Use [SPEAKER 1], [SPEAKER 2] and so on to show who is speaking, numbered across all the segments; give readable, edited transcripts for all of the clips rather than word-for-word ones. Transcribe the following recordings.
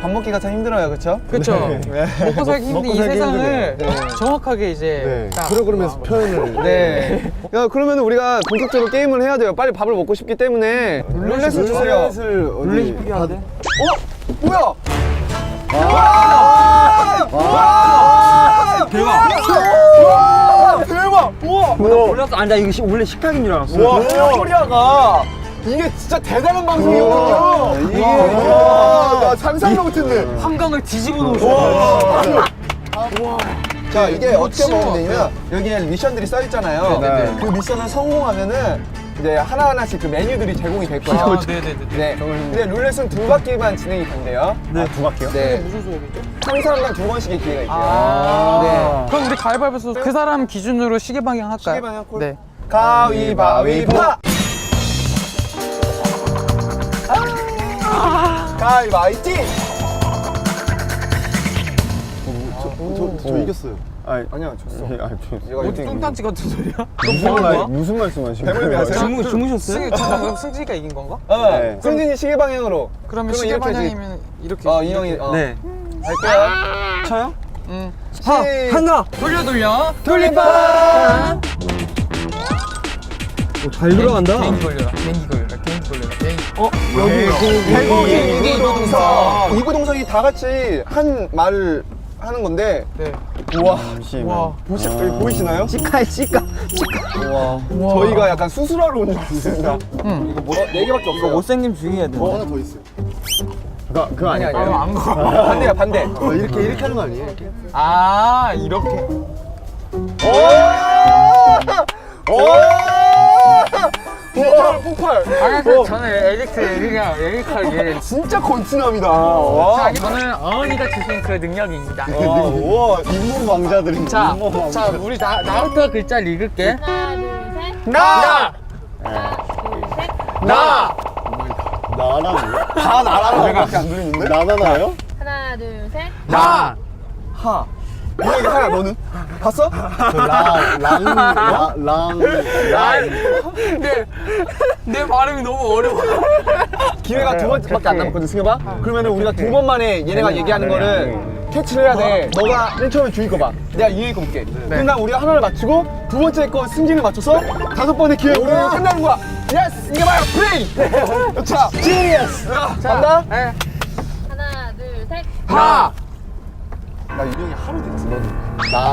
[SPEAKER 1] 밥 먹기가 참 힘들어요, 그렇죠?
[SPEAKER 2] 그쵸.
[SPEAKER 1] 네.
[SPEAKER 2] 먹고 살기 힘든 이 세상을 정확하게 이제 딱
[SPEAKER 3] 프로그램에서 표현을.
[SPEAKER 1] 네. 야, 그러면 우리가 본격적으로 게임을 해야 돼요. 빨리 밥을 먹고 싶기 때문에 룰렛을 주세요.
[SPEAKER 3] 룰렛이
[SPEAKER 2] 필요한데?
[SPEAKER 1] 뭐야?
[SPEAKER 2] 대박!
[SPEAKER 1] 대박! 우와!
[SPEAKER 4] 몰랐어. 아니 나 이거 원래 식탁인 줄 알았어.
[SPEAKER 1] 와, 코리아가 이게 진짜 대단한 방송이거든요.
[SPEAKER 3] 이게
[SPEAKER 1] 나 상상도 못했네.
[SPEAKER 2] 한강을 뒤집어 놓으셨어.
[SPEAKER 1] 자, 이게 어떻게
[SPEAKER 2] 치워.
[SPEAKER 1] 먹으면 되냐면 여기에 미션들이 써 있잖아요.
[SPEAKER 3] 네.
[SPEAKER 1] 그 미션을 성공하면은 이제 하나하나씩 그 메뉴들이 제공이 될 거예요.
[SPEAKER 2] 아, 네네네.
[SPEAKER 1] 네. 근데 룰렛은 2바퀴만 진행이 된대요.
[SPEAKER 3] 네, 2바퀴요?
[SPEAKER 1] 네.
[SPEAKER 2] 무슨 소리죠?
[SPEAKER 1] 한 사람당 2번씩의 기회가 있대요.
[SPEAKER 2] 아. 그럼 우리 가위바위보에서 그 사람 기준으로 시계 방향 할까요?
[SPEAKER 1] 시계 방향 콜?
[SPEAKER 2] 네.
[SPEAKER 1] 가위바위보! 가위바위보!
[SPEAKER 3] 저 이겼어요.
[SPEAKER 1] 아니야, 졌어. 얘가
[SPEAKER 2] 어디
[SPEAKER 1] 1등이야.
[SPEAKER 2] 똥단지 같은 소리야?
[SPEAKER 3] 무슨 말씀하시는
[SPEAKER 1] 배멀미
[SPEAKER 3] 거예요?
[SPEAKER 1] 하세요?
[SPEAKER 2] 주무셨어요? 잠깐 승진이가 이긴 건가?
[SPEAKER 1] 네. 승진이 시계 방향으로.
[SPEAKER 2] 그러면
[SPEAKER 1] 그러면
[SPEAKER 2] 시계
[SPEAKER 1] 이렇게
[SPEAKER 2] 방향이면 이렇게.
[SPEAKER 1] 이 형이.
[SPEAKER 4] 네.
[SPEAKER 1] 갈게요.
[SPEAKER 4] 쳐요?
[SPEAKER 2] 응.
[SPEAKER 4] 한다.
[SPEAKER 2] 돌려.
[SPEAKER 1] 돌림판!
[SPEAKER 4] 잘 들어간다.
[SPEAKER 2] 개인기 걸려라.
[SPEAKER 1] 배고기 이구동성. 이구동성이 다 같이 한 말을 하는 건데.
[SPEAKER 2] 네.
[SPEAKER 1] 우와.
[SPEAKER 2] 와.
[SPEAKER 1] 보이시나요?
[SPEAKER 4] 시카야 시카.
[SPEAKER 1] 우와. 저희가 약간 수술하러 온 줄 알았습니다.
[SPEAKER 2] 응.
[SPEAKER 1] 이거 뭐라? 4개밖에 없어요.
[SPEAKER 4] 못생김 죽여야 돼.
[SPEAKER 3] 하나 더 있어요. 그거
[SPEAKER 1] 아니,
[SPEAKER 3] 아닐까요?
[SPEAKER 1] 아니.
[SPEAKER 2] 안 거.
[SPEAKER 1] 반대야, 반대.
[SPEAKER 3] 이렇게 하는 거 아니에요? 이렇게?
[SPEAKER 2] 아, 이렇게.
[SPEAKER 1] 폭발!
[SPEAKER 2] 저는 에릭하게.
[SPEAKER 1] 진짜 건치남이다. 와.
[SPEAKER 2] 저는 어머니가 주신 그 능력입니다.
[SPEAKER 3] 우와, 잇몸 왕자들이.
[SPEAKER 2] 자, 우리 나부터 글자 읽을게.
[SPEAKER 5] 하나, 둘, 셋.
[SPEAKER 1] 나!
[SPEAKER 5] 하나, 둘, 셋.
[SPEAKER 1] 나!
[SPEAKER 3] 나라고요?
[SPEAKER 1] 다 나라는 거밖에 안 들리는데?
[SPEAKER 3] 나나나요?
[SPEAKER 5] 하나, 둘, 셋.
[SPEAKER 1] 나! 하. 이게 하야, 너는? 봤어?
[SPEAKER 2] 내 발음이 너무 어려워.
[SPEAKER 1] 기회가 2번밖에 안 남았거든, 승엽아? 그러면은 우리가 2번 만에 얘네가 얘기하는 거를 캐치를 해야 돼. 너가 맨 처음에 주인 거 봐. 내가 이의 거 볼게. 그럼 우리가 하나를 맞추고 두 번째 거 승진을 맞춰서 5번의 기회 우리가 끝나는 거야. 예스! 이게 바로 플레이! 자, 지니어스! 간다?
[SPEAKER 2] 네.
[SPEAKER 5] 하나, 둘, 셋.
[SPEAKER 1] 하! 나 유령이 하루 됐지, 너는.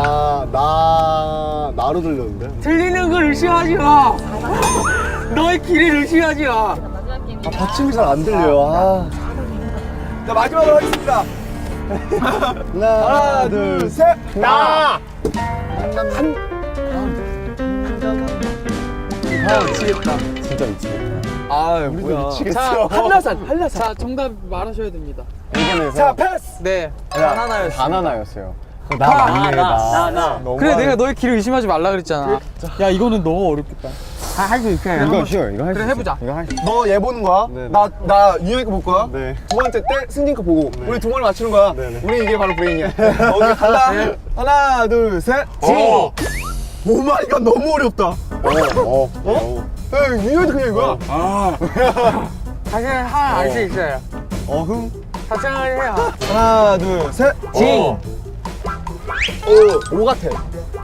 [SPEAKER 3] 나로 들렸는데?
[SPEAKER 2] 틀리는 걸 의심하지 마. 너의 길을 의심하지 마.
[SPEAKER 5] 마지막 게임.
[SPEAKER 3] 받침이 잘 안 들려요.
[SPEAKER 1] 자, 마지막으로 하겠습니다. 하나, 둘, 셋! 나! 미치겠다.
[SPEAKER 3] 진짜 미치겠다.
[SPEAKER 1] 아, 뭐야. 미치겠어. 한라산.
[SPEAKER 2] 자, 정답 말하셔야 됩니다.
[SPEAKER 1] 자, 패스!
[SPEAKER 2] 네.
[SPEAKER 3] 바나나였어요.
[SPEAKER 4] 나.
[SPEAKER 2] 그래, 내가 너의 길을 의심하지 말라 그랬잖아. 야, 이거는 너무 어렵겠다.
[SPEAKER 4] 할 수 있어요.
[SPEAKER 3] 이거 쉬워. 이거 할 수
[SPEAKER 2] 그래,
[SPEAKER 3] 있어.
[SPEAKER 2] 해보자.
[SPEAKER 3] 이거 할 수 있어.
[SPEAKER 1] 너 얘 보는 거야?
[SPEAKER 3] 네, 네.
[SPEAKER 1] 나 유영이 거 볼 거야?
[SPEAKER 3] 네.
[SPEAKER 1] 두 번째 때 승진 거 보고 우리 두 번을 맞추는 거야.
[SPEAKER 3] 네, 네.
[SPEAKER 1] 우리 이게 바로 브레인이야. 오케이, 간다. 하나, 둘, 셋. 오 마이 갓, 너무 어렵다. 유영이도 그냥 이거야.
[SPEAKER 2] 다시 하나 알 수 있어요.
[SPEAKER 3] 어흥.
[SPEAKER 2] 다시 하나 해요.
[SPEAKER 1] 하나, 둘, 셋.
[SPEAKER 2] 징.
[SPEAKER 1] 오 같아.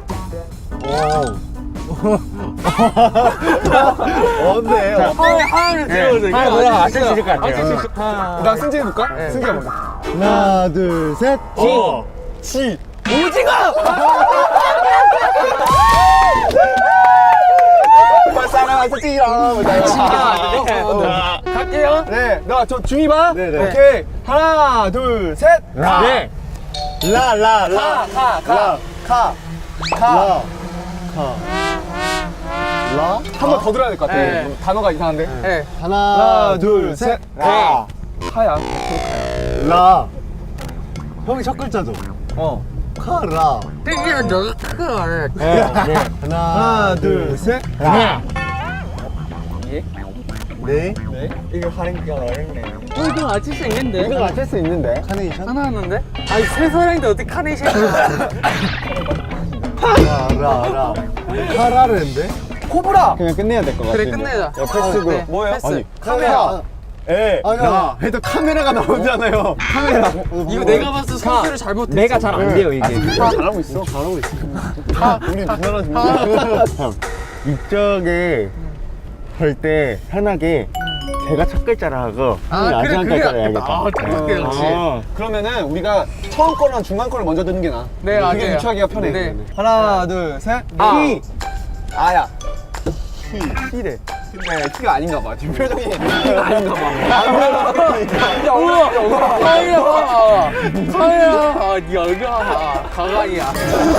[SPEAKER 3] 어때?
[SPEAKER 2] 하나를 들어보세요.
[SPEAKER 4] 하나 뭐라 맞출 수 있을 것 같아요.
[SPEAKER 1] 나 승진 해볼까? 승진 해볼까?
[SPEAKER 3] 하나, 둘, 셋.
[SPEAKER 1] 지. 사랑하셨지요.
[SPEAKER 2] 갈게요.
[SPEAKER 1] 네, 나 저 중이 봐.
[SPEAKER 3] 네, 네.
[SPEAKER 1] 오케이. 하나, 둘, 셋.
[SPEAKER 4] 네.
[SPEAKER 3] 라.
[SPEAKER 1] 한 번 더 들어야 될 것 같아.
[SPEAKER 2] 네.
[SPEAKER 1] 단어가 이상한데.
[SPEAKER 2] 네.
[SPEAKER 3] 하나, 둘, 셋.
[SPEAKER 1] 하야.
[SPEAKER 3] 라. 형이 첫 글자죠?
[SPEAKER 1] 어.
[SPEAKER 3] 카라.
[SPEAKER 2] 땡기는 너가 크네.
[SPEAKER 3] 하나,
[SPEAKER 1] 둘, 셋.
[SPEAKER 3] 네.
[SPEAKER 1] 이거 하는 거 어렵네.
[SPEAKER 2] 이거 맞출 수 있는데?
[SPEAKER 1] 이거 맞출 수 있는데.
[SPEAKER 3] 카네이션?
[SPEAKER 2] 하나 하는데? 아니, 세 사람인데 어떻게 카네이션이야?
[SPEAKER 3] 라. 카라르인데?
[SPEAKER 1] 코브라.
[SPEAKER 3] 그냥 끝내야 될 것 같아.
[SPEAKER 2] 그래, 끝내자.
[SPEAKER 1] 패스고.
[SPEAKER 2] 네.
[SPEAKER 1] 뭐예요?
[SPEAKER 2] 패스.
[SPEAKER 3] 아니,
[SPEAKER 1] 카메라.
[SPEAKER 3] 에. 야, 해도 카메라가 나오잖아요. 카메라.
[SPEAKER 2] 이거 내가 봤을 때 선택을 잘못했어.
[SPEAKER 4] 내가 잘 안 돼요, 이게.
[SPEAKER 1] 잘하고 있어.
[SPEAKER 3] 잘하고 있어.
[SPEAKER 1] 우리 누나랑 누나.
[SPEAKER 3] 이쪽에 볼 때 편하게 제가 첫 글자를 하고 형이 마지막 글자를 해야겠다.
[SPEAKER 2] 아, 그래, 역시.
[SPEAKER 1] 그러면은 우리가 처음 거랑 중간 거를 먼저 듣는 게 나아.
[SPEAKER 2] 네,
[SPEAKER 1] 그게
[SPEAKER 2] 맞아요.
[SPEAKER 1] 유추하기가 편해.
[SPEAKER 2] 네.
[SPEAKER 1] 하나, 둘, 셋. 피. 아야. 피래. 근데 피가 아닌가 봐. 지금 표정이 피가 아닌가 봐.
[SPEAKER 2] 우와, 사이야, 사이야, 네 얼굴 봐봐, 가관이야.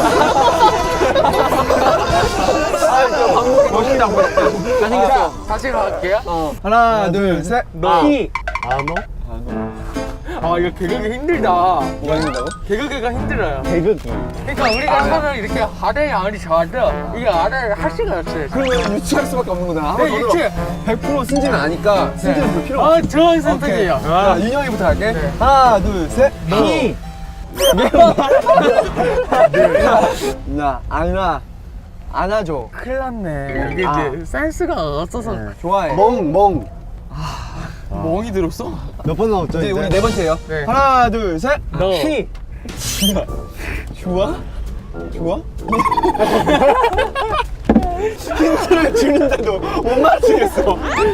[SPEAKER 1] 멋있다, 멋있다.
[SPEAKER 2] 잘생겼어. 다시 갈게요.
[SPEAKER 1] 하나, 둘, 셋.
[SPEAKER 3] 피. 아노?
[SPEAKER 2] 아, 이거 개그가 힘들다.
[SPEAKER 1] 뭐가 있는다고?
[SPEAKER 2] 개그가 힘들어요.
[SPEAKER 3] 개그기.
[SPEAKER 2] 그러니까 우리가 하면 이렇게 아래에 아무리 좋아도 이게 아래를 할 수가 없어요.
[SPEAKER 1] 그러면 유치할 수밖에 없는 거잖아.
[SPEAKER 2] 네, 유치.
[SPEAKER 1] 100% 승진은 아니까 승진은 볼 필요 없어.
[SPEAKER 2] 아, 좋은 선택이에요.
[SPEAKER 1] 자, 윤영이부터 할게.
[SPEAKER 2] 네.
[SPEAKER 1] 하나, 둘, 셋.
[SPEAKER 3] 피.
[SPEAKER 1] 나, 안아줘.
[SPEAKER 2] 큰일 났네. 이게 이제 센스가 없어서
[SPEAKER 1] 좋아해.
[SPEAKER 3] 멍.
[SPEAKER 2] 멍이 들었어.
[SPEAKER 3] 몇 번 나왔죠?
[SPEAKER 1] 이제
[SPEAKER 3] 이제?
[SPEAKER 1] 우리 네 번째예요.
[SPEAKER 2] 네.
[SPEAKER 1] 하나, 둘, 셋.
[SPEAKER 2] 너.
[SPEAKER 3] 피.
[SPEAKER 1] 좋아? 좋아? 힌트를 주는데도 못 맞추겠어.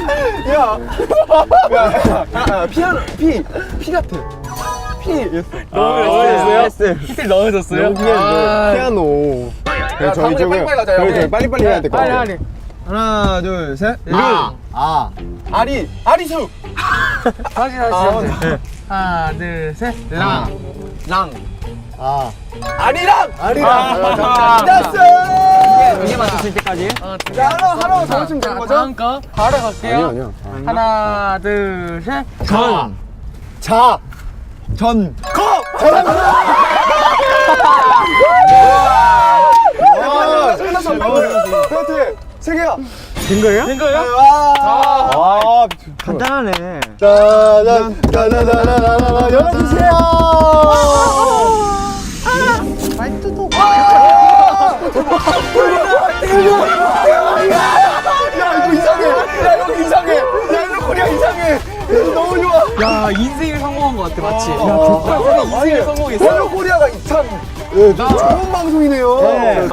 [SPEAKER 1] 피아노, 피 같아. 피였어.
[SPEAKER 2] 넣어줬어요? 히트 넣어줬어요?
[SPEAKER 3] 여기에
[SPEAKER 2] 아,
[SPEAKER 3] 피아노.
[SPEAKER 1] 야, 다음에 빨리빨리 가자,
[SPEAKER 3] 저희
[SPEAKER 1] 여기.
[SPEAKER 3] 빨리빨리 해야 될 것
[SPEAKER 2] 빨리
[SPEAKER 3] 같아요.
[SPEAKER 2] 빨리.
[SPEAKER 1] 하나, 둘, 셋.
[SPEAKER 3] 아.
[SPEAKER 1] 아리수.
[SPEAKER 2] 다시. 하나, 둘, 셋. 랑.
[SPEAKER 3] 아.
[SPEAKER 1] 아리랑.
[SPEAKER 3] 아리랑.
[SPEAKER 1] 됐어.
[SPEAKER 4] 이게 맞췄을 때까지.
[SPEAKER 1] 자, 하나 더 맞추면 되는 거죠?
[SPEAKER 2] 다음 거 바로 갈게요.
[SPEAKER 3] 아니야.
[SPEAKER 2] 하나, 둘, 셋.
[SPEAKER 3] 자.
[SPEAKER 1] 전. 그렇지. 세 개야.
[SPEAKER 3] 된 거예요?
[SPEAKER 2] 된 거예요?
[SPEAKER 3] 아,
[SPEAKER 4] 간단하네.
[SPEAKER 3] 짜잔, 짜자자자자자, 열어주세요.
[SPEAKER 1] 야, 이거 이상해. 야, 이거 이상해. 야, 이거 코리아 이상해. 이거 너무 좋아.
[SPEAKER 2] 야, 인생을 성공한 것 같아, 마치.
[SPEAKER 1] 야,
[SPEAKER 2] 인생을 성공했어.
[SPEAKER 1] 헬로 코리아가 참
[SPEAKER 3] 네, 좋은 방송이네요.